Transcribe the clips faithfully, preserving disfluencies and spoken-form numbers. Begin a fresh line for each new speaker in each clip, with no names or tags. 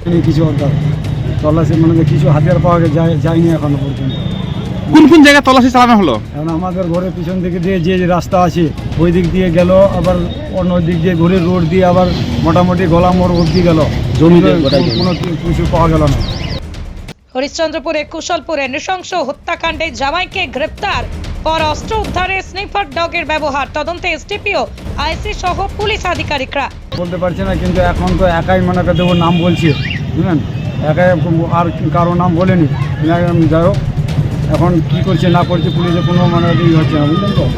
কিছু তল্লাশি মানে কিছু হাতিয়ার পাওয়া যায় যায়নি এখনো পর্যন্ত।
কোন কোন জায়গায় তল্লাশি চালানো হলো?
এখন আমাদের ঘরের পিছন দিকে দিয়ে যে যে রাস্তা আছে ওই দিক দিয়ে গেল, আবার অন্য দিক দিয়ে ঘুরে রোড দিয়ে আবার মোটামুটি গলা মোড় অবধি গেল, জমিতে কোনো কিছু পাওয়া গেল না।
হরিশ্চন্দ্রপুরে কুশলপুরে নৃশংস হত্যাকাণ্ডে জামাইকে গ্রেপ্তার, পর অস্ত্র উদ্ধারে স্নিফার ডগের ব্যবহার, তদন্তে এসডিপিও আইসি সহ পুলিশ আধিকারিকরা।
বলতে পারছি না, কিন্তু এখন তো একাই মনে করে দেবো নাম বলছি, বুঝলেন, একাই আর কারো নাম বলেনি। যাই হোক, এখন কী করছে না করছে পুলিশে কোনো মানে ই হচ্ছে না, বুঝলেন তো।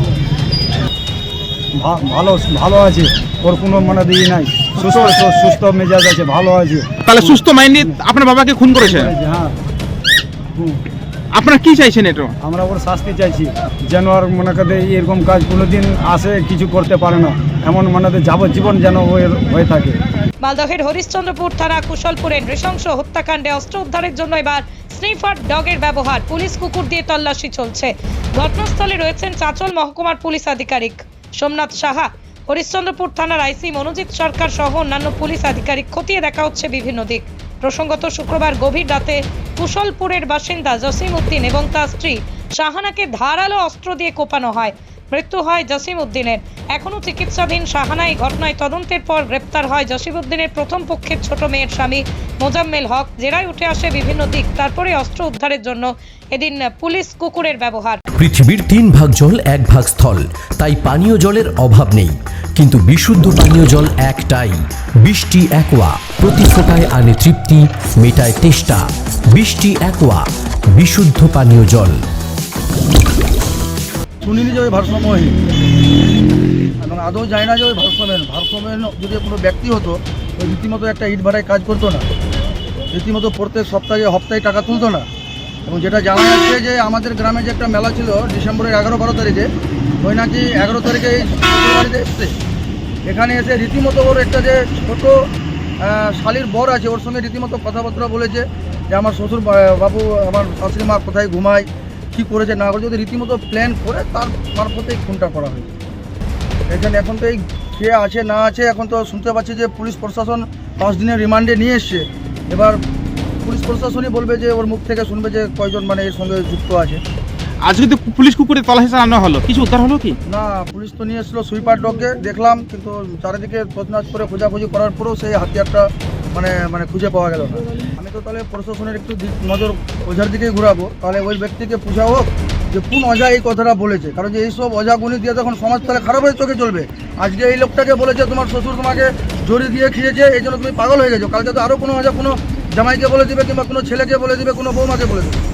ভালো ভালো আছে, ওর কোনো মানে দিই নাই, সুস্থ সুস্থ মেজাজ আছে, ভালো আছে।
তাহলে সুস্থ মাইন্ডে আপনার বাবাকে খুন করেছে?
হ্যাঁ।
আপনারা কি চাইছেন? এটা
আমরা ওর শাস্তি চাইছি, যেন আর মনে করে এরকম কাজ কোনোদিন আসে কিছু করতে পারে না, এমন মনে যাবজ্জীবন যেন হয়ে থাকে।
মালদহের হরিশ্চন্দ্রপুর থানা কুশলপুরে নৃশংস হত্যাকাণ্ডে অস্ত্র উদ্ধারের জন্য এবার স্নিফার ডগের ব্যবহার, পুলিশ কুকুর দিয়ে তল্লাশি চলছে। ঘটনাস্থলে রয়েছেন চাঁচল মহকুমার পুলিশ আধিকারিক সোমনাথ সাহা, হরিশ্চন্দ্রপুর থানার আইসি মনোজিৎ সরকার সহ অন্যান্য পুলিশ আধিকারিক। খতিয়ে দেখা হচ্ছে বিভিন্ন দিক। প্রসঙ্গত শুক্রবার গভীর রাতে কুশলপুরের বাসিন্দা জসিম উদ্দিন এবং তার স্ত্রী শাহানাকে ধারালো অস্ত্র দিয়ে কোপানো হয়, মৃত্যু হয় জসিম উদ্দিনের। এখনও চিকিৎসাধীন শাহানা। এই ঘটনায় তদন্তের পর গ্রেপ্তার হয় জসিম উদ্দিনের প্রথম পক্ষের ছোট মেয়ের স্বামী মোজাম্মেল হক। জেরায় উঠে আসে বিভিন্ন দিক, তারপরে অস্ত্র উদ্ধারের জন্য এদিন পুলিশ কুকুরের ব্যবহার।
পৃথিবীর তিন ভাগ জল এক ভাগ স্থল, তাই পানীয় জলের অভাব নেই, কিন্তু বিশুদ্ধ পানীয় জল একটাই, বৃষ্টি অ্যাকোয়া। প্রতি ফোটায় আনে তৃপ্তি, মেটায় তেষ্টা। বৃষ্টি অ্যাকোয়া, বিশুদ্ধ পানীয় জল।
শুনিনি যে ওই ভারসাম্যহীন, এবং আদৌ যায় না যে ওই ভারসাম্যহীন ভারসাম্যহীন যদি কোনো ব্যক্তি হতো ওই রীতিমতো একটা ইট ভাড়ায় কাজ করতো না, রীতিমতো প্রত্যেক সপ্তাহে হপ্তাহে টাকা তুলতো না। এবং যেটা জানা যাচ্ছে যে আমাদের গ্রামে যে একটা মেলা ছিল ডিসেম্বরের এগারো বারো তারিখে, ওই নাকি এগারো তারিখে এই বাড়িতে এসছে, এখানে এসে রীতিমতো ওর একটা যে ছোটো শালির বর আছে ওর সঙ্গে রীতিমতো কথাবার্তা বলেছে যে আমার শ্বশুর বাবু আমার শাশুড়ি মা কোথায় ঘুমায়, কী করেছে না করেছে, ওদের রীতিমতো প্ল্যান করে তার মারফতে খুনটা করা হয়েছে। এখানে এখন তো এই কে আছে না আছে, এখন তো শুনতে পাচ্ছি যে পুলিশ প্রশাসন পাঁচ দিনের রিমান্ডে নিয়ে এসছে। এবার পুলিশ প্রশাসনই বলবে যে ওর মুখ থেকে শুনবে যে কয়জন মানে এর সঙ্গে যুক্ত আছে।
আজকে তো পুলিশ কুকুরে তল্লাশি চালানো হলো, কিছু উদ্ধার হলো কি?
না, পুলিশ তো নিয়ে এসেছিলো সুইপার ডগকে, দেখলাম, কিন্তু চারিদিকে তছনছ করে খোঁজাখুঁজি করার পরেও সেই হাতিয়ারটা মানে মানে খুঁজে পাওয়া গেল না। আমি তো তাহলে প্রশাসনের একটু নজর ওঝার দিকেই ঘুরাবো, তাহলে ওই ব্যক্তিকে পূজা হোক যে কোন অজা এই কথাটা বলেছে, কারণ যে এইসব অজাগুনি দিয়ে তখন সমাজ তাহলে খারাপ হয়ে চোখে চলবে। আজকে এই লোকটাকে বলেছে তোমার শ্বশুর তোমাকে জড়ি দিয়ে খেয়েছে, এই জন্য তুমি পাগল হয়ে গেছো, কালকে তো আরও কোনো অজা কোনো জামাইকে বলে দিবে, কিংবা কোনো ছেলেকে বলে দিবে, কোনো বৌমাকে বলে দেবে।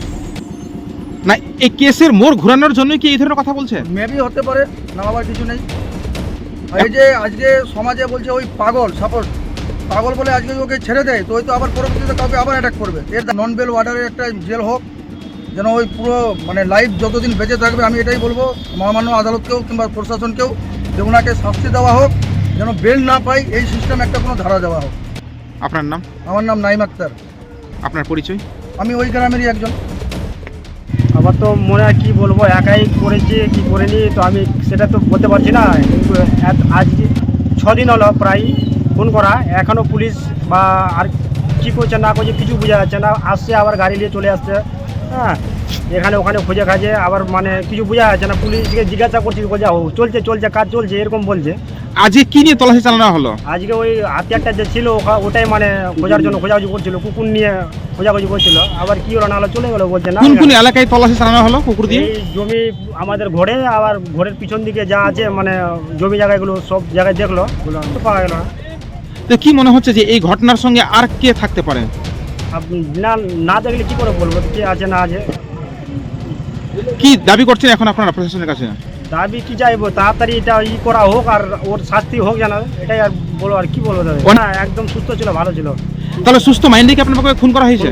না, এই কেসের মোড় ঘোরানোর জন্য কি এই ধরনের কথা বলছে?
মেবি হতে পারে, না আবার কিছু নেই। এই যে আজকে সমাজে বলছে ওই পাগল সাপোর্ট পাগল বলে আজকে ওকে ছেড়ে দেয়, তো ওই তো আবার পরবর্তীতে কাউকে আবার অ্যাটাক করবে। এর নন বেল ওয়ার্ডারের একটা জেল হোক, যেন ওই পুরো মানে লাইফ যতদিন বেঁচে থাকবে। আমি এটাই বলবো মহামান্য আদালতকেও কিংবা প্রশাসনকেও যে ওনাকে শাস্তি দেওয়া হোক, যেন বেল না পাই এই সিস্টেম একটা কোনো ধারা দেওয়া হোক।
আপনার নাম?
আমার নাম নাইম আক্তার।
আপনার পরিচয়?
আমি ওই গ্রামেরই একজন।
আবার তো মনে হয় কী বলবো, একাই করেছি কি করিনি তো আমি সেটা তো বলতে পারছি না, কিন্তু আজ ছদিন হলো প্রায় ফোন করা, এখনও পুলিশ বা আর কী করছে না করছে কিছু বোঝা যাচ্ছে না। আসছে আবার গাড়ি নিয়ে চলে আসছে, হ্যাঁ, এখানে ওখানে খুঁজে খাজে, আবার মানে কিছু বোঝা যাচ্ছে না। পুলিশকে জিজ্ঞাসা করছি, বলছে ও চলছে চলছে কাজ চলছে এরকম বলছে।
আজকে কি নিয়ে তল্লাশি চালানো হলো? আজকে
ওই হাতিয়ারটা যে ছিল ওটাই মানে খোঁজার জন্য খোঁজাখুঁজি করছিল, কুকুর নিয়ে খোঁজাখুঁজি করছিল। আবার কি হলো না হলো চলে গেলো বলছে না।
কোন কোন এলাকায় তল্লাশি চালানো হলো কুকুর দিয়ে?
এই জমি আমাদের ঘরে, আবার ঘরের পিছন দিকে যা আছে মানে জমি জায়গাগুলো সব জায়গায় দেখলো, পাওয়া গেল না।
তো কি মনে হচ্ছে যে এই ঘটনার সঙ্গে আর কে থাকতে পারে?
না না দেখলে কি করে বলবো কে আছে না আছে।
কি দাবি করছেন এখন আপনারা প্রশাসনের কাছে?
দাবি কি চাইবো, তাড়াতাড়ি এটা ই করা হোক আর ওর শাস্তি হোক জানা, এটাই আর বলো। আর কি বলবো দাদা, না একদম সুস্থ ছিল, ভালো ছিল।
তাহলে সুস্থ মাইন্ডে কি আপনার খুন করা হয়েছে?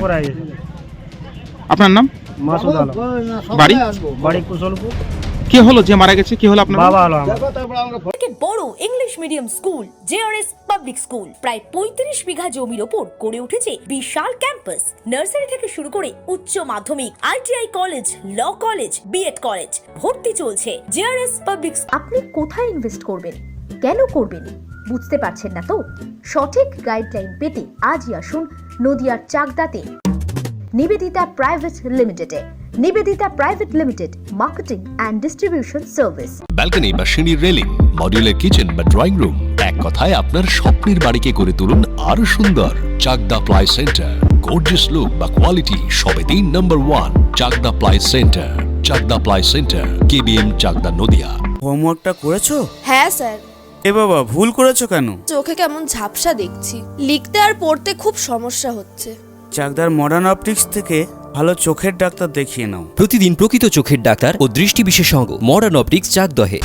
আপনার নাম?
মাসুদ আলম।
বাড়ি?
বাড়ি কুশলপুর।
কে হলো যে মারা গেছে? কি হলো আপনার
বাবা? হলো
বড় English medium school JRS public school প্রায় পঁয়ত্রিশ বিঘা জমির ওপর গড়ে উঠেছে বিশাল ক্যাম্পাস। নার্সারি থেকে শুরু করে উচ্চ মাধ্যমিক, ITI college, law college, BEd college, ভর্তি চলছে। JRS public.
আপনি কোথায় ইনভেস্ট করবেন?
কেন করবেন? বুঝতে পারছেন না তো? সঠিক গাইডলাইন পেতে আজই আসুন নদিয়ার চাকদাতে নিবেদিতা প্রাইভেট লিমিটেডে। Nivedita private limited, marketing and distribution service.
Balcony বা সিঁড়ির রেলিং, মডিউলার কিচেন বা ড্রয়িং রুম, এক কথায় আপনার স্বপ্নের বাড়িকে করে তুলুন আরো সুন্দর। Chakda ply centre, gorgeous look বা কোয়ালিটি সবে তিন number one. Chakda ply centre, Chakda ply centre, KBM, Chakda, Nadia.
হোমওয়ার্কটা করেছো?
হ্যাঁ স্যার।
এ বাবা, ভুল করেছো কেন?
চোখে কেমন ঝাপসা দেখছি, লিখতে আর পড়তে খুব সমস্যা হচ্ছে।
চাকদার মডার্ন অপটিক্স থেকে ভালো চোখের ডাক্তার দেখিয়ে নাও।
প্রতিদিন প্রকৃত চোখের ডাক্তার ও দৃষ্টি বিশেষজ্ঞ মডার্ন অপটিক্স চাকদহে।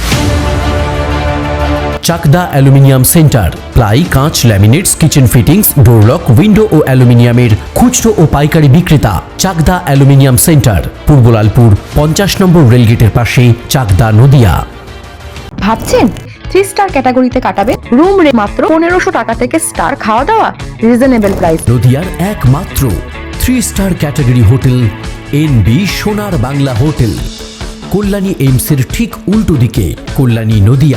চাকদা অ্যালুমিনিয়াম সেন্টার, প্লাই, কাঁচ, laminates, kitchen fittings, door lock, window ও অ্যালুমিনিয়ামের খুচরো ও পাইকারি বিক্রেতা। চাকদা অ্যালুমিনিয়াম সেন্টার, পূর্বলালপুর পঞ্চাশ নম্বর রেলগেটের পাশে, চাকদা, নদিয়া।
ভাবছেন থ্রি স্টার ক্যাটাগরিতে কাটাবে? রুম রে মাত্র পনেরোশো টাকা থেকে স্টার, খাওয়া দাওয়া রিজনেবল প্রাইস।
নদিয়ার একমাত্র three star category hotel N B Sonar Bangla hotel, Kalyani এইমসের ঠিক উল্টো দিকে, কল্যাণী, নদিয়া।